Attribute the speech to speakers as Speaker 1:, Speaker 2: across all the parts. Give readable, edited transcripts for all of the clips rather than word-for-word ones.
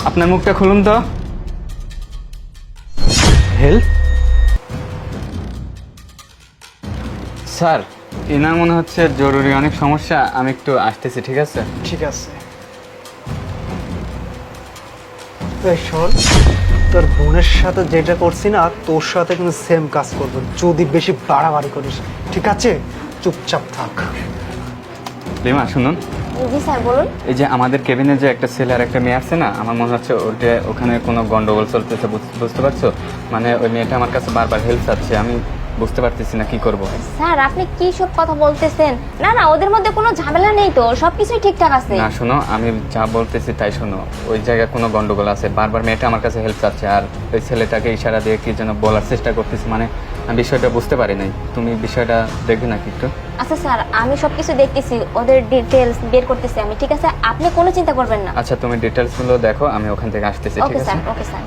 Speaker 1: আপনার মুখটা খুলুন তো। হেল্প স্যার, এনার মনে হচ্ছে জরুরি অনেক সমস্যা, আমি একটু আসতেছি, ঠিক আছে?
Speaker 2: ঠিক আছে। এই শোন, তোর বোনের সাথে যেটা করছি না তোর সাথে কিন্তু সেম কাজ করবো যদি বেশি বাড়াবাড়ি করিস, ঠিক আছে? চুপচাপ থাক।
Speaker 1: লিমা শুনুন,
Speaker 3: জি স্যার বলুন।
Speaker 1: এই যে আমাদের কেবিনে যে একটা ছেলে আর একটা মেয়ে আছে না, আমার মনে হচ্ছে ওটা ওখানে কোনো গন্ডগোল চলতেছে, বুঝতে পারছো? মানে ওই মেয়েটা আমার কাছে বারবার হেল্প চাচ্ছে, আমি বুঝতে পারতেছি না কি করব।
Speaker 3: স্যার আপনি কি সব কথা বলতেছেন? না না, ওদের মধ্যে কোনো ঝামেলা নেই তো, সবকিছুই ঠিকঠাক আছে।
Speaker 1: না শোনো, আমি যা বলতেছি তাই শোনো, ওই জায়গায় কোনো গন্ডগোল আছে, বারবার মেয়েটা আমার কাছে হেল্প চাচ্ছে আর ওই ছেলেটাকে ইশারা দিয়ে কি যেন বলার চেষ্টা করতেছি, মানে আমি বিষয়টা বুঝতে পারি নাই। তুমি বিষয়টা দেখবে নাকি একটু?
Speaker 3: আচ্ছা স্যার, আমি সবকিছু দেখতেছি, ওদের ডিটেলস বের করতেছি আমি, ঠিক আছে? আপনি কোনো চিন্তা করবেন না।
Speaker 1: আচ্ছা তুমি ডিটেলসগুলো দেখো, আমি ওখান থেকে আসতেছি, ঠিক
Speaker 3: ওকে
Speaker 1: আছে?
Speaker 3: Sir, okay sir.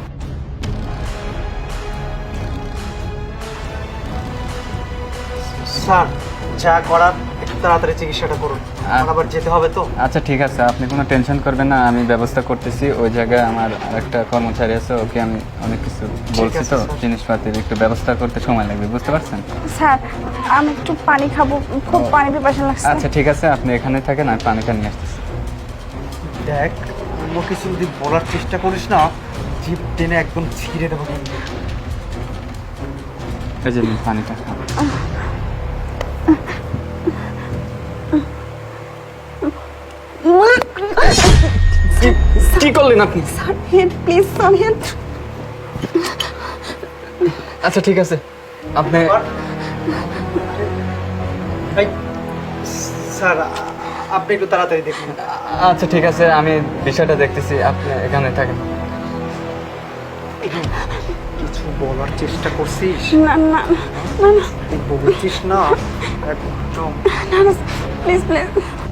Speaker 2: স্যার, যা করার একটু তাড়াতাড়ি চিকিৎসাটা করুন, আমার আবার যেতে হবে তো।
Speaker 1: আচ্ছা ঠিক আছে, আপনি কোনো টেনশন করবেন না, আমি ব্যবস্থা করতেছি। ওই জায়গায় আমার আরেকটা কর্মচারী আছে, ওকে আমি অনেক কিছু বলছি,
Speaker 2: আছে,
Speaker 1: তো
Speaker 2: স্যার।
Speaker 1: জিনিসপাতির একটু ব্যবস্থা করতে সময় লাগবে, বুঝতে পারছেন?
Speaker 4: স্যার আমি একটু পানি খাবো, খুব পানি পিপাসা লাগছে।
Speaker 1: আচ্ছা ঠিক আছে, আপনি এখানে থাকেন, আর পানিটা নিয়ে আসতেছি।
Speaker 2: দেখ, অন্য কিছু যদি বলার চেষ্টা করিস না জিভ টেনে একদম ছিঁড়ে দেবো কিন্তু।
Speaker 1: এই যে নিন পানিটা। কি করলেন আপনি?
Speaker 4: Sir help please, sir help.
Speaker 1: আচ্ছা ঠিক আছে, আপনি
Speaker 2: এই, স্যার আপনি একটু তাড়াতাড়ি দেখুন।
Speaker 1: আচ্ছা ঠিক আছে, আমি বিষয়টা দেখতেছি, আপনি এখানে থাকেন।
Speaker 2: কিছু বলার চেষ্টা করছিস?
Speaker 4: না না না না
Speaker 2: তুই বলছিস না একদম।
Speaker 4: না না প্লিজ প্লিজ।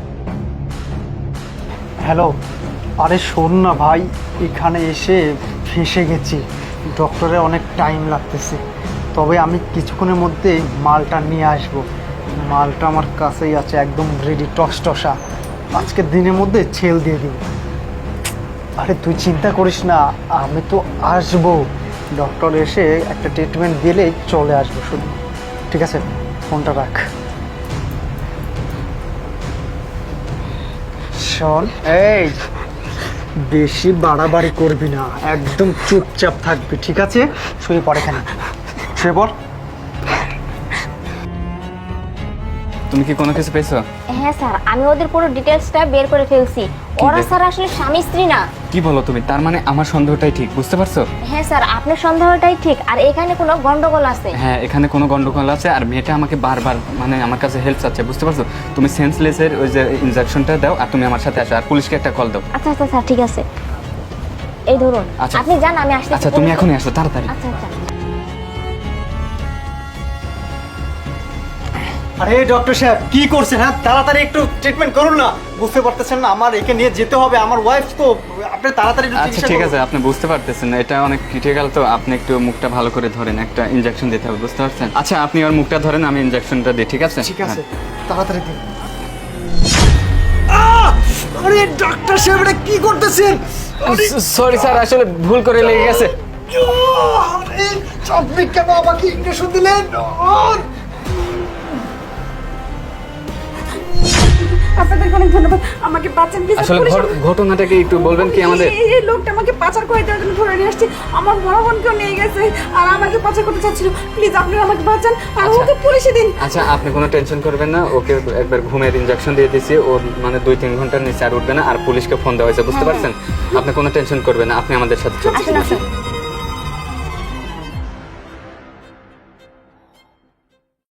Speaker 2: হ্যালো, আরে শোন না ভাই, এখানে এসে ফেঁসে গেছি, ডক্টরে অনেক টাইম লাগতেছে, তবে আমি কিছুক্ষণের মধ্যে মালটা নিয়ে আসব। মালটা আমার কাছেই আছে, একদম রেডি টসটসা, আজকের দিনের মধ্যে ছেল দিয়ে দিব। আরে তুই চিন্তা করিস না, আমি তো আসবো, ডক্টর এসে একটা ট্রিটমেন্ট দিলেই চলে আসবো শুধু, ঠিক আছে? ফোনটা রাখ। শোন, এই বেশি বাড়াবাড়ি করবি না, একদম চুপচাপ থাকবি, ঠিক আছে? শুয়ে পড় এখানে, শুয়ে পড়।
Speaker 1: তুমি কি কোনো কিছু পেয়েছো?
Speaker 3: হ্যাঁ স্যার, আমি ওদের পুরো ডিটেলসটা বের করে ফেলছি। ওরা স্যার আসলে স্বামী স্ত্রী না।
Speaker 1: কি বলো তুমি? তার মানে আমার সন্দেহটাই ঠিক, বুঝতে পারছো?
Speaker 3: হ্যাঁ স্যার, আপনার সন্দেহটাই ঠিক, আর এখানে কোনো গন্ডগোল আছে।
Speaker 1: হ্যাঁ, এখানে কোনো গন্ডগোল আছে, আর মেয়েটা আমাকে বারবার মানে আমার কাছে হেল্প চাচ্ছে, বুঝতে পারছো? তুমি সেন্সলেসের ওই যে ইনজেকশনটা দাও, আর তুমি আমার সাথে আসো, আর পুলিশকে একটা কল দাও।
Speaker 3: আচ্ছা আচ্ছা স্যার, ঠিক আছে, এই ধরুন।
Speaker 1: আচ্ছা।
Speaker 3: আপনি যান, আমি আসছি।
Speaker 1: আচ্ছা তুমি এখনই আসো, তাড়াতাড়ি।
Speaker 3: আচ্ছা আচ্ছা।
Speaker 2: আরে ডক্টর সাহেব কি করছেন? হ্যাঁ, তাড়াতাড়ি একটু ট্রিটমেন্ট করুন না, বুঝতে পারতেছেন না আমার একে নিয়ে যেতে হবে, আমার ওয়াইফ তো, আপনি তাড়াতাড়ি একটু
Speaker 1: আচ্ছা
Speaker 2: চিকিৎসা
Speaker 1: ঠিক
Speaker 2: করুন।
Speaker 1: আছে, আপনি বুঝতে পারতেছেন না, এটা অনেক ক্রিটিক্যাল, তো আপনি একটু মুখটা ভালো করে ধরেন, একটা ইনজেকশন দিতে হবে, বুঝতে পারছেন? আচ্ছা আপনি ওর মুখটা ধরেন, আমি ইনজেকশনটা দিই, ঠিক আছে?
Speaker 2: ঠিক আছে, তাড়াতাড়ি দিন। আরে ডক্টর সাহেব এটা কি করতেছেন?
Speaker 1: সরি স্যার, আসলে ভুল করে লেগে গেছে।
Speaker 2: আরে আপনি কেন আমাকে ইনজেকশন দিলেন?
Speaker 4: আপনাদেরকে অনেক ধন্যবাদ, আমাকে বাঁচান প্লিজ।
Speaker 1: আসলে ঘটনাটাকে একটু বলবেন কি আমাদের?
Speaker 4: এই লোকটা আমাকে পাচার করে দেওয়ার জন্য ধরে নিয়ে আসছে, আমার বড় বোনকেও নিয়ে গেছে, আর আমাকে পাচার করতে চাচ্ছিল। প্লিজ আপনারা আমাকে বাঁচান, আর
Speaker 1: আচ্ছা।
Speaker 4: ওকে পুলিশে দিন।
Speaker 1: আচ্ছা আপনি কোনো টেনশন করবেন না, ওকে একবার ঘুমের ইনজেকশন দিয়ে দিয়েছি, ওর মানে 2-3 ঘন্টার নিচে আর উঠবে না, আর পুলিশকে ফোন দেওয়া হয়েছে, বুঝতে পারছেন? আপনি কোনো টেনশন করবেন না, আপনি আমাদের সাথে চলুন।
Speaker 3: আসুন আসুন।